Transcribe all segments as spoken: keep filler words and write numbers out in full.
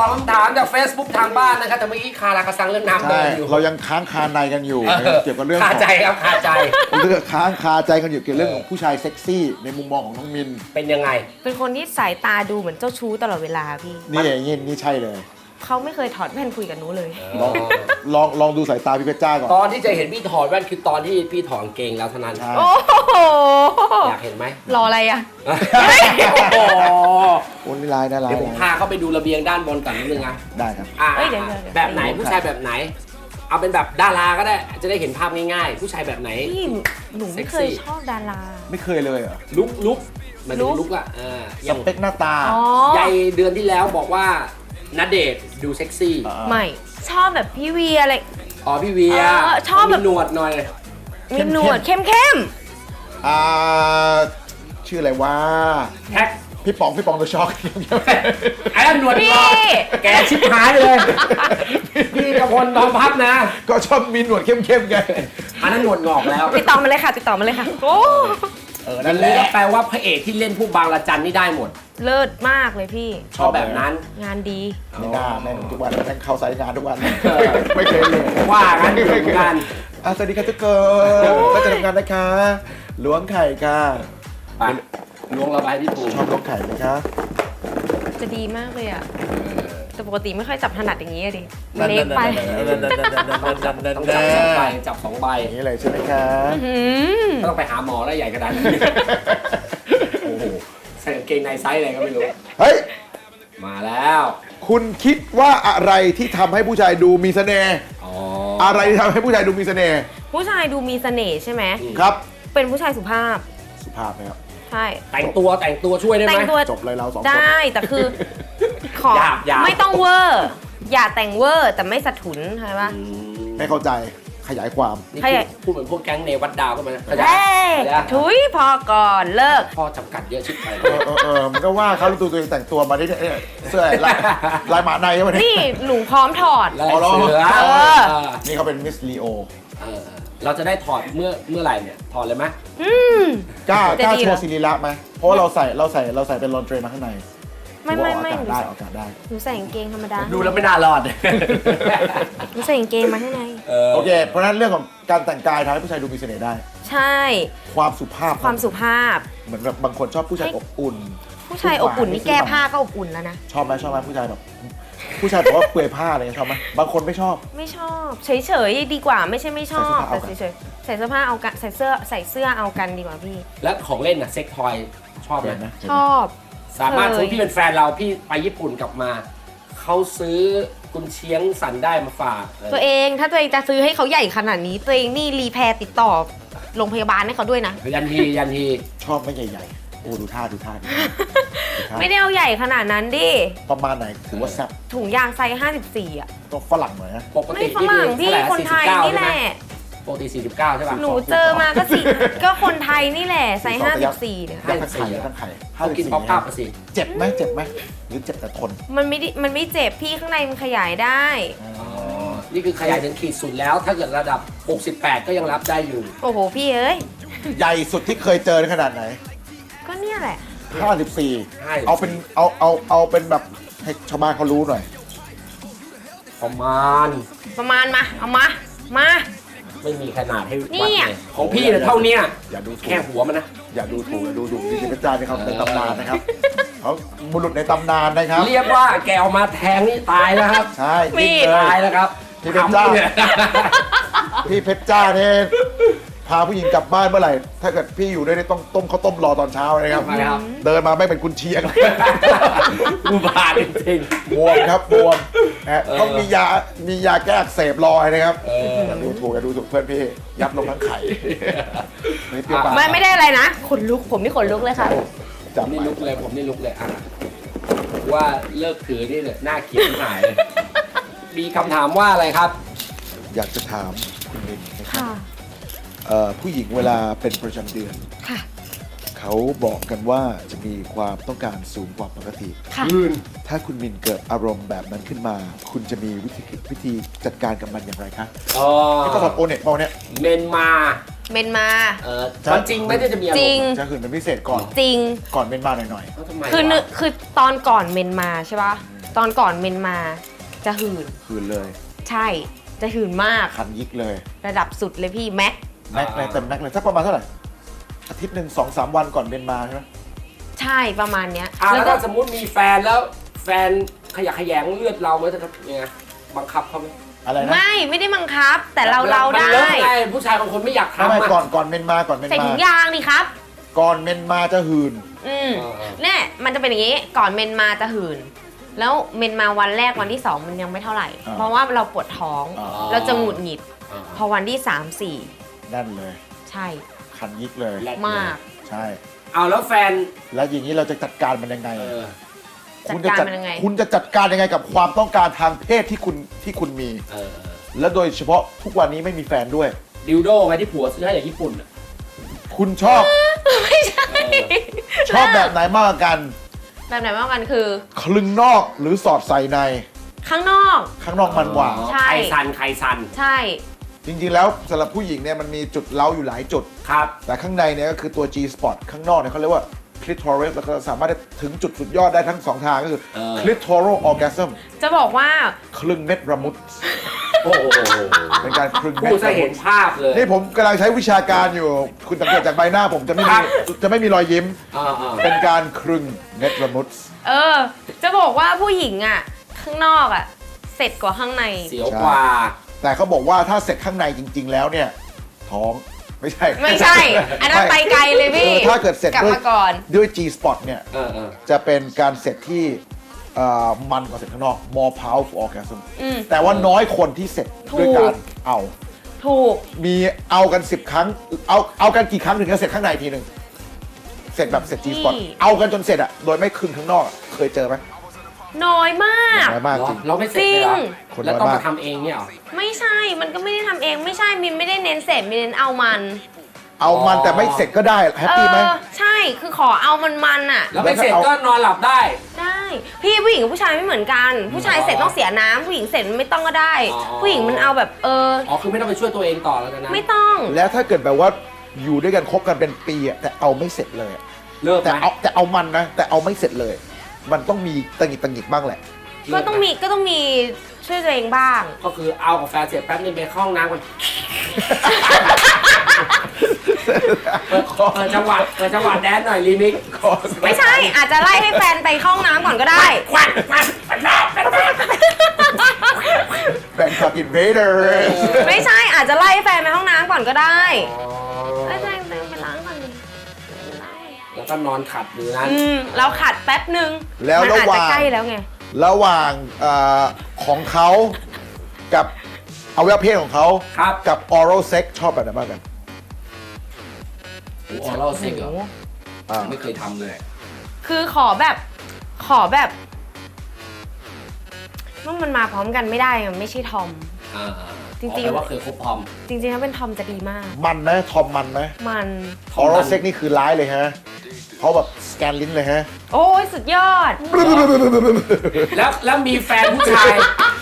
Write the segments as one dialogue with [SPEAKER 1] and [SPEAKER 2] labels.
[SPEAKER 1] คำถามจาก Facebook ทางบ้านนะครับแต่เมื่อกี้คาราคาซังเรื่องน้ำเดินอยู่
[SPEAKER 2] เรายังค้างคาในกันอยู่เกี่ยวกับเรื่อง
[SPEAKER 1] คาใจครับคาใจ
[SPEAKER 2] เรื่องค้างคาใจกันอยู่เกี่ยวกับเรื่องของผู้ชายเซ็กซี่ในมุมมองของน้องมิน
[SPEAKER 1] เป็นยังไง
[SPEAKER 3] เป็นคนที่สายตาดูเหมือนเจ้าชู้ตลอดเวลาพี่
[SPEAKER 2] นี่อย่างนี้นี่ใช่เลย
[SPEAKER 3] เขาไม่เคยถอดแว่นคุยกับหนูเลย
[SPEAKER 2] ลองลองลองดูสายตาพี่เพชรจ้าก่อน
[SPEAKER 1] ตอนที่จะเห็นพี่ถอดแว่นคือตอนที่พี่ถอดเกงแล้วเท่านั้น
[SPEAKER 3] โอ้โห
[SPEAKER 1] อยากเห็นไหม
[SPEAKER 3] รออะไรอ่ะ
[SPEAKER 1] โอ้โห
[SPEAKER 2] โอ้นี่ลายน่ารัก
[SPEAKER 1] เดี๋ยวผมพาเขาไปดูระเบียงด้านบนก่อนนิดนึงนะ
[SPEAKER 2] ได้ครับ
[SPEAKER 1] แบบไหนผู้ชายแบบไหนเอาเป็นแบบดาราก็ได้จะได้เห็นภาพง่ายๆผู้ชายแบบไหน
[SPEAKER 3] พี่หนูไม่เคยชอบดารา
[SPEAKER 2] ไม่เคยเลยเหรอ
[SPEAKER 1] ลุกลุกมันเป็นลุกอ่ะ
[SPEAKER 2] สเปคหน้าตา
[SPEAKER 1] ใหญ่เดือนที่แล้วบอกว่าณเดชน์ดูเซ็กซี่
[SPEAKER 3] ไม่ชอบแบบพี่เวียอะไร
[SPEAKER 1] อ๋อพี่เวีย
[SPEAKER 3] ชอบแบบ
[SPEAKER 1] หนวดหน่อย
[SPEAKER 3] มีหนวดเข้มเข้ม
[SPEAKER 2] อ่าชื่ออะไรวะ
[SPEAKER 1] แท็ก
[SPEAKER 2] พี่ป๋องพี่ป๋องตัวช็อก
[SPEAKER 1] ไอ้หนวดงอกแกชิบหายเลยพี่กระพลตอนพับนะ
[SPEAKER 2] ก็ชอบมีหนวดเข้มๆไง
[SPEAKER 1] อันนั้นหนวดงอกแล้ว
[SPEAKER 3] ติดต่อมาเลยค่ะติดต่อมาเลยค่ะโอ้
[SPEAKER 1] เออนั่นเลยก็แปลว่าพระเอกที่เล่นผู้บางระจันนี่ได้หมด
[SPEAKER 3] เลิศมากเลยพี่
[SPEAKER 1] ชอบแบบนั้น
[SPEAKER 3] งานดี
[SPEAKER 2] ไม่น่าแม่งทุกวันแม่งเข้าสายงานทุกวันไม่เคยเลย
[SPEAKER 1] ว่างั้นเหมือนกัน
[SPEAKER 2] สวัสดีค่ะทุกคนก็จะทำงานนะคะล้วงไข่ค่ะ
[SPEAKER 1] ล้วงระบายพี่ปู
[SPEAKER 2] ชอบล้วงไข่ไหมคะ
[SPEAKER 3] จะดีมากเลยอ่ะแต่ปกติไม่ค่อยจับถนัดอย่างนี้ดิเล็กไป
[SPEAKER 1] ต้องจับสองใบจับสองใบ
[SPEAKER 2] อย่างนี้เลยใช่ไหมคะ
[SPEAKER 1] ต้องไปหาหมอแล้วใหญ่ขนาดนี้โอ้โหใส่กางเกงในไซส์อะไรก็ไม่รู้
[SPEAKER 2] เฮ้ย
[SPEAKER 1] มาแล้ว
[SPEAKER 2] คุณคิดว่าอะไรที่ทำให้ผู้ชายดูมีเสน่ห์อะไรที่ทำให้ผู้ชายดูมีเสน่ห์
[SPEAKER 3] ผู้ชายดูมีเสน่ห์ใช่ไหม
[SPEAKER 2] ครับ
[SPEAKER 3] เป็นผู้ชายสุภาพ
[SPEAKER 2] สุภาพไหมครับ
[SPEAKER 3] ใช่
[SPEAKER 1] แต่งตัวแต่งตัวช่วยได้ไหม
[SPEAKER 3] แต่งตัว
[SPEAKER 2] จบเลยเราสองคน
[SPEAKER 3] ได้แต่คือขอไม่ต้องเวอร์อย่าแต่งเวอร์แต่ไม่สะทุนใช่ปะ
[SPEAKER 2] ไม่เข้าใจขยายความ
[SPEAKER 1] พูดเหมือนพวกแก๊งเนวัดดาวก็มา
[SPEAKER 3] ขยายถุยพอก่อนเลิก
[SPEAKER 1] พ่อจำกัดเยอะชิบไป
[SPEAKER 2] เออเออมันก็ว่าเขาตัวตัวเองแต่งตัวมาได้เนี่ยเสื้อลายหมาในใช่ไหม
[SPEAKER 3] นี่หนูพร้อมถอด
[SPEAKER 1] ลายเสือ
[SPEAKER 2] นี่เขาเป็นมิสลีโอ
[SPEAKER 1] เราจะได้ถอดเมื่อเมื่อไหร่เนี่ยถอดเลยไหม
[SPEAKER 2] กล้ากล้าโชว์ศิริละไหมเพราะว่าเราใส่เราใส่เราใส่เป็นลอนเทรมาข้างใน
[SPEAKER 3] ไม่ไม่ไม่
[SPEAKER 2] ได้ออกได้
[SPEAKER 3] หนูใส่กางเกงธรรมดา
[SPEAKER 1] ดูแล้วไม่น่ารอด
[SPEAKER 3] หนูใส่กางเกงมาข้างใน
[SPEAKER 2] โอเคเพราะฉะนั้นเรื่องของการแต่งกายทำให้ผู้ชายดูมีเสน่ห์ได้
[SPEAKER 3] ใช่
[SPEAKER 2] ความสุภาพ
[SPEAKER 3] ความสุภาพ
[SPEAKER 2] เหมือนแบบบางคนชอบผู้ชายอบอุ่น
[SPEAKER 3] ผู้ชายอบอุ่นนี่แก้ผ้าก็อบอุ่นแล้วนะ
[SPEAKER 2] ชอบไหมชอบไหมผู้ชายแบบผู้ชายบอกว่าเปลือยผ้าอะไรชอบไหมบางคนไม่ชอบ
[SPEAKER 3] ไม่ชอบเฉยๆดีกว่าไม่ใช่ไม่ชอบแต่เฉยๆใส่เสื้อผ้าเอากันใส่เสื้อใส่เสื้อเอากันดีกว่าพี่
[SPEAKER 1] แล้วของเล่นอะเซ็กทอยชอบไหม
[SPEAKER 3] ชอบ
[SPEAKER 1] สามารถซื้อพี่เป็นแฟนเราพี่ไปญี่ปุ่นกลับมาเขาซื้อกุนเชียงสันได้มาฝาก
[SPEAKER 3] ตัวเองถ้าตัวเองจะซื้อให้เขาใหญ่ขนาดนี้ตัวเองนี่รีแพร์ติดต่อโรงพยาบาลให้เขาด้วยนะ
[SPEAKER 1] ยันทียันที
[SPEAKER 2] ชอบไม่ใหญ่ๆโอ้ดูท่าดูท่า
[SPEAKER 3] ไม่ได้เอาใหญ่ขนาดนั้นดิ
[SPEAKER 2] ประมาณไหนถือว่าแซ่บ
[SPEAKER 3] ถุงยางไซส์ห้าสิบสี่อ่ะ
[SPEAKER 2] ก็ฝรั่งหน่อยนะ
[SPEAKER 1] ปกติ
[SPEAKER 3] ฝรั่งพี่คนไทยนี่แหละ
[SPEAKER 1] ปกติสี่สิบเก้าใช่ป่ะ
[SPEAKER 3] หนูเจอมาก็สี่ก็คนไทยนี่แหละไซส์ห้าสิบสี่เนี่ย
[SPEAKER 2] ตั้งไข่ตั้งไข่
[SPEAKER 1] เขากินป๊อปอัพสิ
[SPEAKER 2] เจ็บไหมเจ็บไหมหรือเจ็บแต่ทน
[SPEAKER 3] มันไม่มันไม่เจ็บพี่ข้างในมันขยายได้
[SPEAKER 1] นี่คือขยายถึงขีดสุดแล้วถ้าเกิดระดับหกสิบแปดก็ยังรับได้อยู่
[SPEAKER 3] โอ้โหพี่เอ้ย
[SPEAKER 2] ใหญ่สุดที่เคยเจอในขนาดไหน
[SPEAKER 3] ก็เนี่ยแหละ
[SPEAKER 2] ห้าสิบสี่เอาเป็นเอาเอาเอาเป็นแบบให้ชาวบ้านเขารู้หน่อย
[SPEAKER 1] ประมาณ
[SPEAKER 3] ประมาณมาเอามามา
[SPEAKER 1] ไม่มีขนาดให้วัดเลยของพี่เนี่ยเท่านี้
[SPEAKER 2] อย่าดู
[SPEAKER 1] แค่หัวมันนะ
[SPEAKER 2] อย่าดูถูกอย่าดูถูกดิจิทัลจานนี่เขาในตำนานนะครับเขาบุรุษในตำนานนะครับ
[SPEAKER 1] เรียกว่าแกเอามาแทงนี่ตายแล้วครับ
[SPEAKER 2] ใช่
[SPEAKER 1] ตายแล้วครับ
[SPEAKER 2] พี่เพชรจ้าพี่เพชรจ้าเนี่ยพาผู้หญิงกลับบ้านเมื่อไหร่ถ้าเกิดพี่อยู่ด้วยต้องต้มข้าวต้มรอตอนเช้านะครับเดินมาไม่เป็นกุนเชียง
[SPEAKER 1] อุบาทจริง
[SPEAKER 2] ๆบวมครับบวมต้องมียามียาแก้อักเสบรอนะครับอย่าดูถูกอย่าดูถูกเพื่อนพี่ยับลงทั้งไข่
[SPEAKER 3] ไม่เปรี้ยวปากไม่ไม่ได้อะไรนะขนลุกผมนี่ขนลุกเลยค่ะ
[SPEAKER 1] ผมนี่ลุกเลยผมนี่ลุกเลยอ่ะว่าเลิกถือนี่เนี่ยน่าเกลียดหายเลยมีคำถามว่าอะไรครับ
[SPEAKER 2] อยากจะถามคุณมินนะครับผู้หญิงเวลาเป็นประจำเดือนเขาบอกกันว่าจะมีความต้องการสูงกว่าปกติถ้าคุณมินเกิดอารมณ์แบบนั้นขึ้นมาคุณจะมีวิธีวิธีจัดการกับมันอย่างไรคะ
[SPEAKER 1] อ๋อ
[SPEAKER 2] ที่เขาสอนโอเน็ตบอกเนี่ย
[SPEAKER 1] เมนมา
[SPEAKER 3] เมนมา
[SPEAKER 1] เออจริงไม่ได้จะมีอารมณ์
[SPEAKER 2] จะคืนเป็นพิเศษก่อน
[SPEAKER 3] จริง
[SPEAKER 2] ก่อนเมนมาหน่อย
[SPEAKER 3] ๆคือคือตอนก่อนเมนมาใช่ป่ะตอนก่อนเมนมาจะหื่น
[SPEAKER 2] คืนเลย
[SPEAKER 3] ใช่จะหื่นมาก
[SPEAKER 2] คันยิกเลย
[SPEAKER 3] ระดับสุดเลยพี่แม็ก
[SPEAKER 2] แม็กเลยเต็มแม็กเลยสักประมาณเท่าไหร่อาทิตย์หนึ่งสองสามวันก่อนเบนมาใช่ไหม
[SPEAKER 3] ใช่ประมาณเนี้ย
[SPEAKER 1] อ่ะ
[SPEAKER 3] แล้
[SPEAKER 1] แล้ว ว
[SPEAKER 3] ก็
[SPEAKER 1] ถ้าสมมติมีแฟนแล้วแฟนขยะแขยงเลือดเราไหมจะทำยังไงบังคับเขาไหม
[SPEAKER 2] อะไรนะ
[SPEAKER 3] ไม่ไม่ได้บังคับ แต่เราเรา
[SPEAKER 1] มัน
[SPEAKER 3] ได้
[SPEAKER 1] เลิกไงผู้ชายบางคนไม่อยาก
[SPEAKER 2] ทำไม
[SPEAKER 1] ทำอ่ะ
[SPEAKER 2] ก่อนก่อนเมนมาก่อนเมน
[SPEAKER 3] ใส่
[SPEAKER 2] มา
[SPEAKER 3] ถุงยางดิครับ
[SPEAKER 2] ก่อนเมนมาจะหืน
[SPEAKER 3] อืม
[SPEAKER 1] เออเออ
[SPEAKER 3] เนี่ยมันจะเป็นอย่างนี้ก่อนเมนมาจะหื่น แล้วเมนมาวันแรกวันที่สองมันยังไม่เท่าไหร่
[SPEAKER 2] อ่า
[SPEAKER 3] เพราะว่าเราปวดท้อง
[SPEAKER 2] อ๋อ
[SPEAKER 3] เราจะหงุดหงิด
[SPEAKER 1] อ่า
[SPEAKER 3] พอวันที่สามสี่
[SPEAKER 2] นั่นเลย
[SPEAKER 3] ใช่
[SPEAKER 2] คันยิกเลย
[SPEAKER 1] แรด
[SPEAKER 3] มาก
[SPEAKER 2] ใช่
[SPEAKER 1] เอาแล้วแฟน
[SPEAKER 2] แล้วอย่างนี้เราจะจัดการมันยังไง
[SPEAKER 1] เออ
[SPEAKER 3] จัด
[SPEAKER 2] คุณจะ
[SPEAKER 3] การมันยังไง
[SPEAKER 2] คุณจะจัดการยังไงกับความต้องการทางเพศที่คุณที่คุณมี
[SPEAKER 1] เออ
[SPEAKER 2] และโดยเฉพาะทุกวันนี้ไม่มีแฟนด้วย
[SPEAKER 1] ดิวโดไว้ที่ผัวซื้อให้จากญี่ปุ่นอ่ะ
[SPEAKER 2] คุณชอบ
[SPEAKER 3] ไม่ใช่
[SPEAKER 2] ชอบแบบไหนมากกว่ากัน
[SPEAKER 3] แบบไหนมากกว่ากันคือ
[SPEAKER 2] คลึงนอกหรือสอดใส่ใน
[SPEAKER 3] ข้างนอก
[SPEAKER 2] ข้างนอกมันกว่า
[SPEAKER 3] ใช่
[SPEAKER 1] ใครซันใครซัน
[SPEAKER 3] ใช่
[SPEAKER 2] จริงๆแล้วสำหรับผู้หญิงเนี่ยมันมีจุดเล้าอยู่หลายจุด
[SPEAKER 1] ครับ
[SPEAKER 2] แต่ข้างในเนี่ยก็คือตัว G spot ข้างนอกเนี่ยเขาเรียกว่า clitoris แล้วก็สามารถถึงจุดสุดยอดได้ทั้งสองทางก็คือ
[SPEAKER 1] เออ
[SPEAKER 2] clitoral orgasm
[SPEAKER 3] จะบอกว่า
[SPEAKER 2] คลึงเม็ดระมุด
[SPEAKER 1] โอ้โห
[SPEAKER 2] เป็นการคลึงเม็ด
[SPEAKER 1] ผู้จะ
[SPEAKER 2] ระมุ
[SPEAKER 1] เห็
[SPEAKER 2] ด
[SPEAKER 1] นภาพเลย
[SPEAKER 2] นี่ผมกำลังใช้วิชาการอยู่ คุณสังเกตจากใบหน้าผมจะไม่
[SPEAKER 1] ครั
[SPEAKER 2] มี
[SPEAKER 1] บ
[SPEAKER 2] จะไม่มีรอยยิ้ม
[SPEAKER 1] อ่าอ่า
[SPEAKER 2] เป็นการคลึงเม็ดระมุด
[SPEAKER 3] เออ จะบอกว่าผู้หญิงอ่ะ ข้างนอกอ่ะ เสร็จกว่าข้างใน
[SPEAKER 1] เสียวกว่า
[SPEAKER 2] แต่เขาบอกว่าถ้าเสร็จข้างในจริง ๆ แล้วเนี่ย ท้องไม่ใช่
[SPEAKER 3] ไม่ใช่ อันนั้นไปไกลเลยพี่
[SPEAKER 2] เออถ้าเกิดเสร็จ
[SPEAKER 3] กลับ
[SPEAKER 2] ด้วย
[SPEAKER 3] มาก่อน
[SPEAKER 2] ด้วย G spot เนี่ย
[SPEAKER 1] เออเออ
[SPEAKER 2] จะเป็นการเสร็จที่เอ่อมันกว่าเสร็จข้างนอก more powerful orgasm
[SPEAKER 3] อืม
[SPEAKER 2] แต่ว่าน้อยคนที่เสร็จ
[SPEAKER 3] ถูก
[SPEAKER 2] ด้วยการเอา
[SPEAKER 3] ถูก
[SPEAKER 2] มีเอากันสิบครั้ง เอาเอากันกี่ครั้งถึงจะเสร็จข้างในทีหนึ่งเสร็จแบบเสร็จ G spot เอากันจนเสร็จอะโดยไม่ครึ่งข้างนอกอะเคยเจอไหม
[SPEAKER 3] น้อยมาก
[SPEAKER 2] น้อยมากจริง
[SPEAKER 1] เราไม่เสร็จเลยเหรอ
[SPEAKER 3] จริง
[SPEAKER 2] คน
[SPEAKER 1] แล้ว
[SPEAKER 2] น้อย
[SPEAKER 1] ต้อง
[SPEAKER 2] มาก
[SPEAKER 1] มาทำเองเนี่ยเหรอ
[SPEAKER 3] ไม่ใช่ มันก็ไม่ได้ทำเอง ไม่ใช่ มินไม่ได้เน้นเสร็จมินเน้นเอามัน
[SPEAKER 2] เอามันแต่ไม่เสร็จก็ได้แฮป
[SPEAKER 3] เอ
[SPEAKER 2] ปี้ไหม
[SPEAKER 3] อ ใช่ คือขอเอามันมันๆอ่ะ
[SPEAKER 1] แล้วไม่เสร็จก็นอนหลับได้
[SPEAKER 3] ได้ พี่ผู้หญิงกับผู้ชายไม่เหมือนกัน ผู้ชายเสร็จต้องเสียน้ำผู้หญิงเสร็จไม่ต้องก็ได้
[SPEAKER 1] อ๋อ
[SPEAKER 3] ผู้หญิงมันเอาแบบเออ
[SPEAKER 1] อ๋อคือไม่ต้องไปช่วยตัวเองต่อแล้วกันนะ
[SPEAKER 3] ไม่ต้อง
[SPEAKER 2] แล้วถ้าเกิดแบบว่าอยู่ด้วยกันคบกันเป็นปีอะแต่เอาไม่เสร็จเลยอะ
[SPEAKER 1] เลิก
[SPEAKER 2] แต่
[SPEAKER 1] ไหม
[SPEAKER 2] เอาแต่เอามันนะ แต่เอาไม่เสร็จเลย มันต้องมีตังหิดตังหิดบ้างแหละ
[SPEAKER 1] เลิ
[SPEAKER 3] ก็
[SPEAKER 1] ไห
[SPEAKER 3] ต้องมีก็ต้องมีช่วยตัวเองบ้าง
[SPEAKER 1] ก็คือเอากับแฟนเสร็จแป๊บนึงไปเข้าห้องน้ำก่อนเปิดเปิดจังหวะเปิดจังหวะแดนหน่อยรีมิกซ์
[SPEAKER 3] ไม่ใช่ อาจจะไล่ให้แฟนไปเข้าห้องน้ำก่อนก็ได้
[SPEAKER 1] ควันควันควันควันควัน
[SPEAKER 2] แบงค์อินเวเดอร์
[SPEAKER 3] ไม่ใช่ อาจจะไล่ให้แฟนไปห้องน้ำก่อนก็ได้ไล่แฟนไปล้างก่อนดิ
[SPEAKER 1] แล้วก็นอนขัดอยู่นั้น
[SPEAKER 3] อืมเราขัดแป๊บนึง
[SPEAKER 2] แล้ว
[SPEAKER 3] มัน
[SPEAKER 2] ระ
[SPEAKER 3] อาจ
[SPEAKER 2] ห
[SPEAKER 3] จะ
[SPEAKER 2] ว่าง
[SPEAKER 3] ใกล้แล้วไง
[SPEAKER 2] ระหว่างเอ่อของเขากับอวัยวะเพศของเขา
[SPEAKER 1] ครับ
[SPEAKER 2] กับ oral sex ชอบแบบไหนบ้างกัน
[SPEAKER 1] โอ้โหเราเซ็กเหรอ
[SPEAKER 2] อ่า
[SPEAKER 1] ไม่เคยทำเลย
[SPEAKER 3] คือขอแบบขอแบบว่ามันมาพร้อมกันไม่ได้อะไม่ใช่ทอม
[SPEAKER 1] อ่า
[SPEAKER 3] จริงๆ
[SPEAKER 1] ๆแปลว่าเคยคบพอม
[SPEAKER 3] จริงๆถ้าเป็นทอมจะดีมาก
[SPEAKER 2] มันไหมทอมมันไหม
[SPEAKER 3] มัน
[SPEAKER 2] oral sex นี่คือร้ายเลยฮะเขาแบบสแกนลิ้นเลยฮะ
[SPEAKER 3] โอ้ยสุดยอด
[SPEAKER 1] แล้วแล้วมีแฟนผู้ชาย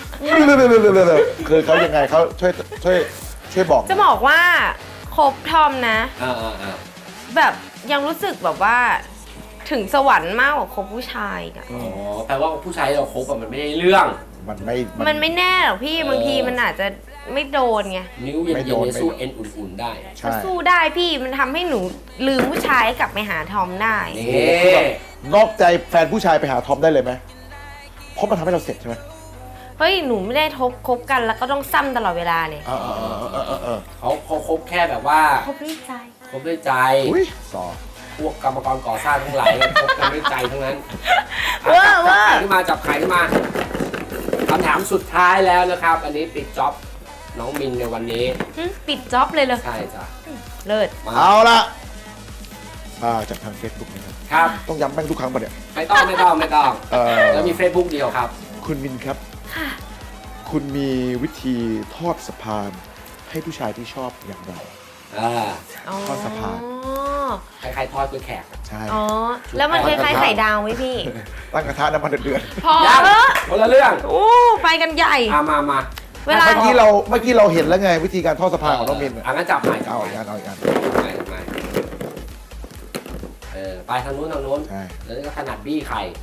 [SPEAKER 2] คือเขายังไงเขาช่วยช่วยช่วยบอก
[SPEAKER 3] จะบอกว่าคบทอมนะ
[SPEAKER 1] อ่าอ่าอ่า
[SPEAKER 3] แบบยังรู้สึกแบบว่าถึงสวรรค์มากกว่าคบผู้ชายอีกอะ
[SPEAKER 1] อ๋อแปลว่าผู้ชายที่เราคบอะมันไม่ได้เรื่อง
[SPEAKER 2] มันไม่
[SPEAKER 3] มันไม่แน่หรอกพี่
[SPEAKER 1] เออ
[SPEAKER 3] บางทีมันอาจจะไม่โดนไง
[SPEAKER 1] นิ้วเย็น
[SPEAKER 2] ไม่
[SPEAKER 1] ๆ
[SPEAKER 2] โดน
[SPEAKER 1] เนี่ยสู้เอ็นอุ่นๆได้
[SPEAKER 2] ใช่
[SPEAKER 3] ก็สู้ได้พี่มันทำให้หนูลืมผู้ชายกลับไปหาทอมได้
[SPEAKER 1] นี่
[SPEAKER 2] คือแบบนอกใจแฟนผู้ชายไปหาทอมได้เลยไหมเพราะมันทำให้เราเสร็จใช่ไหม
[SPEAKER 3] เฮ้ยหนูไม่ได้ทบคบกันแล้วก็ต้องซ้ำตลอดเวลาเนี่ย
[SPEAKER 2] เออเออเออเออเออ
[SPEAKER 1] เขาเขาคบแค่แบบว่า
[SPEAKER 3] คบด้วยใจ
[SPEAKER 1] คบด้วยใจ
[SPEAKER 2] อุ้ยต่อ
[SPEAKER 1] พวกกรรมกรก่อสร้างทั้งหลายคบกันด้วยใจทั้งนั้น
[SPEAKER 3] เวอร์เวอร์
[SPEAKER 1] จับไข่ขึ้นมาจับไข่ขึ้นมาคำถามสุดท้ายแล้วนะครับ อันนี้ปิดจ็อบน้องมินในวันนี้
[SPEAKER 3] หึปิดจ็อบเลยเลย
[SPEAKER 1] ใช่จ้ะ
[SPEAKER 3] เลิศ
[SPEAKER 1] มา
[SPEAKER 2] เอาละมาจากทาง Facebook นะครับ
[SPEAKER 1] ครับ
[SPEAKER 2] ต้องย้ำแม่งทุกครั้งปะเนี่ย
[SPEAKER 1] ไม่ต้องไม่ต้องไม่ต้อง
[SPEAKER 2] เออ
[SPEAKER 1] แล้วมี Facebook เดียวครับ
[SPEAKER 2] คุณมินครับ
[SPEAKER 3] ค่ะ
[SPEAKER 2] คุณมีวิธีทอดสะพานให้ผู้ชายที่ชอบอย่างไร
[SPEAKER 1] อ่า
[SPEAKER 2] ทอดสะพาน
[SPEAKER 1] คล้ายๆทอดกล้วยแขก
[SPEAKER 2] ใช่
[SPEAKER 3] อ๋อ แล้วมันคล้ายๆไข่ดาวไหมพี่
[SPEAKER 2] ตั้งกระทะน้ำมันเดือด
[SPEAKER 3] พอ
[SPEAKER 1] ยัง
[SPEAKER 3] เถอะ
[SPEAKER 1] คนละเรื่อง
[SPEAKER 3] โอ้ไปกันใหญ่
[SPEAKER 1] อ่ามามา
[SPEAKER 3] เว
[SPEAKER 2] ๆ
[SPEAKER 3] ลา
[SPEAKER 2] เมื่อกี้เราเมื่อกี้เราเห็นแล้วไงวิธีการทอดสะพานของน้องมิน
[SPEAKER 1] อ่ะงั้นจับใหม่จับ
[SPEAKER 2] เอา
[SPEAKER 1] ให
[SPEAKER 2] อี
[SPEAKER 1] ม่
[SPEAKER 2] กอันเอาอีกอัน
[SPEAKER 1] ใหม่ใหม่เออไปทางนู้นทางนู้น
[SPEAKER 2] ใช่
[SPEAKER 1] แล้วก็ถนัดบี้ไข่
[SPEAKER 2] ข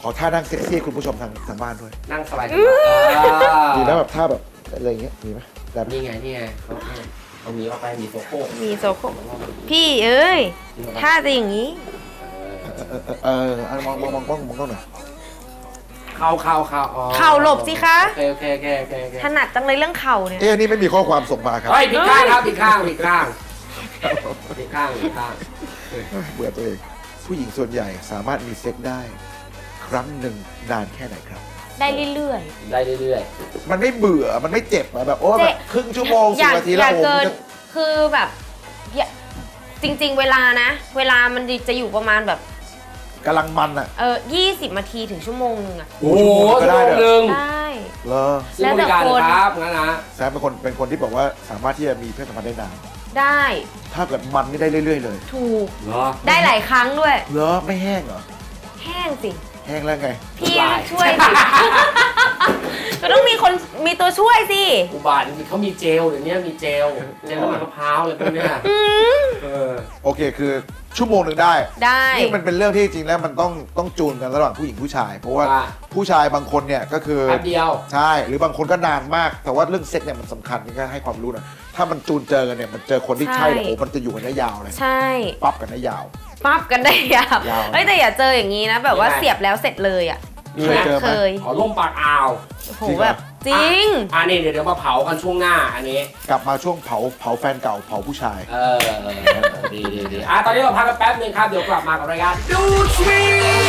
[SPEAKER 2] อท่านั่งเซ็กซี่คุณผู้ชมทางทางบ้านด้วย
[SPEAKER 1] นั่งสบาย
[SPEAKER 2] มีแล้วแบบท่าแบบอะไรอย่างเงี้ยมีไหมแบบ
[SPEAKER 1] นี่ไงนี่ไงเขาเอามีเอาไปมีโซโก้
[SPEAKER 3] มีโซโคพี่เอ้ย ถ้าจะอย่างนี้
[SPEAKER 2] เออเออเออมองมองมองกล้องมองกล้องหน่อย
[SPEAKER 1] เข่าเข่าเข่าอ๋อ
[SPEAKER 3] เข่าหลบสิคะ
[SPEAKER 1] โอเคโอเคโอเคโอเคโอเค
[SPEAKER 3] ถนัดจังเลยเรื่องเข่าเนี่ย
[SPEAKER 2] เอ๊ะอันนี่ไม่มีข้อความส่งมาครับ
[SPEAKER 1] เฮ้ยผิดข้างครับผิดข้างผิดข้างผิดข้างผิดข้าง
[SPEAKER 2] เบื่อตัวเอง ผู้หญิงส่วนใหญ่สามารถมีเซ็กได้ ครั้งหนึ่งนานแค่ไหนครับ
[SPEAKER 3] ได้เรื่อย
[SPEAKER 1] ได้เรื่อย
[SPEAKER 2] มันไม่เบื่อมันไม่เจ็บอะแบบโอ้
[SPEAKER 3] เจ็
[SPEAKER 2] แบบ บครึ่งชั่วโมง
[SPEAKER 3] ๆ อ
[SPEAKER 2] สิบ
[SPEAKER 3] ย่า
[SPEAKER 2] นาที
[SPEAKER 3] อ
[SPEAKER 2] แล้ว
[SPEAKER 3] ย่า
[SPEAKER 2] โอ้โห
[SPEAKER 3] เกิน
[SPEAKER 2] มันจะ
[SPEAKER 3] คือแบบอย่าจริง ๆ เวลานะ เวลามันจะอยู่ประมาณแบบ
[SPEAKER 2] กำลังมันอะ
[SPEAKER 3] เออยี่สิบนาทีถึงชั่วโมงนึงอะ
[SPEAKER 1] ๆโอ้โห
[SPEAKER 2] ก็
[SPEAKER 1] ชั่ว
[SPEAKER 2] ได้
[SPEAKER 1] โมง
[SPEAKER 2] เหรอ
[SPEAKER 1] หนึ่ง
[SPEAKER 3] ได้
[SPEAKER 2] เหรอ
[SPEAKER 1] ซื้อบริการเลยครับงั้นนะ
[SPEAKER 2] แซมเป็นคนเป็นคนที่บอกว่าสามารถที่จะมีเพศสัมพันธ์ได้นาน
[SPEAKER 3] ได้
[SPEAKER 2] ถ้าเกิดมันนี่ได้เรื่อยๆเลย
[SPEAKER 3] ถูก
[SPEAKER 1] เหรอ
[SPEAKER 3] ได้หลายครั้งด้วย
[SPEAKER 2] เหรอไม่แห้งเหรอ
[SPEAKER 3] แห้งสิ
[SPEAKER 2] แห้งแล้วไง
[SPEAKER 3] พี่ช่วยสิก็ต้องมีคนมีตัวช่วยสิ
[SPEAKER 1] อุบาทเขามีเจลเดี๋ยวนี้มีเจลเจลน้ำมันมะพร้าวอะไรพวกเนี้ยเออ
[SPEAKER 2] โอเคคือชั่วโมงหนึ่งได้
[SPEAKER 3] ได้
[SPEAKER 2] นี่มันเป็นเรื่องที่จริงแล้วมันต้องต้องจูนกันระหว่างผู้หญิงผู้ชาย เพราะว่า
[SPEAKER 1] ว่า
[SPEAKER 2] ผู้ชายบางคนเนี่ยก็คือ
[SPEAKER 1] แป๊บเดียว
[SPEAKER 2] ใช่หรือบางคนก็นานมาก แต่ว่าเรื่องเซ็กเนี่ยมันสำคัญนี่ก็ให้ความรู้หนะถ้ามันจูนเจอกันเนี่ยมันเจอคนที่ใช่เนี่ยโอ้มันจะอยู่กันได้ยาวเลย
[SPEAKER 3] ใช่
[SPEAKER 2] ปั๊บกันได้ยาว
[SPEAKER 3] ปั๊บกันได้ยาวย
[SPEAKER 2] าว
[SPEAKER 3] เฮ้ยแต่อย่าเจออย่างนี้นะ แบบว่าเสียบแล้วเสร็จเลยอ่ะ
[SPEAKER 1] มีไหม
[SPEAKER 2] เจอไหม
[SPEAKER 3] เคย
[SPEAKER 1] ขอล่มปากอ่าว
[SPEAKER 3] โอ้โหแบบจริง
[SPEAKER 1] อ่ะนี่เดี๋ยวเดี๋ยวมาเผากันช่วงหน้าอันนี้
[SPEAKER 2] กลับมาช่วงเผาเผาแฟนเก่าเผาผู้ชาย
[SPEAKER 1] เออดีดีดีอ่ะตอนนี้เราพักกันแป๊บนึงครับ เดี๋ยวกลับมากับรายการดูทวี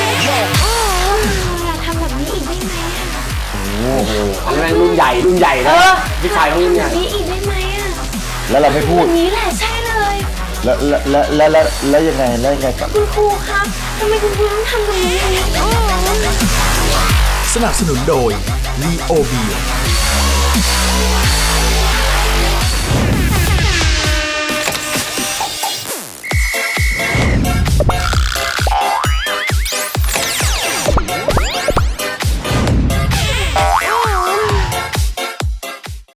[SPEAKER 4] อย่าทำแบบนี้อีกได้ไหมอะ
[SPEAKER 1] โอ้โหอันนี้แม่งรุ่นใหญ่รุ่นใหญ่นะ
[SPEAKER 3] เออ
[SPEAKER 1] พี่ชายเขารุ่นใหญ่
[SPEAKER 4] นี้อีกได้ไหมอะ
[SPEAKER 2] แล้วเราไม่พู
[SPEAKER 4] แบ
[SPEAKER 2] ด
[SPEAKER 4] บนี้แหละใช่เลย
[SPEAKER 2] แล้วแล้วแล้วแล้วแล้วยังไงแล้วยังไงกับ
[SPEAKER 4] คุณครูครับทำไมคุณครูต้องทำแบบนี้อ๋อ
[SPEAKER 5] สนับสนุนโดย ลีโอเบีย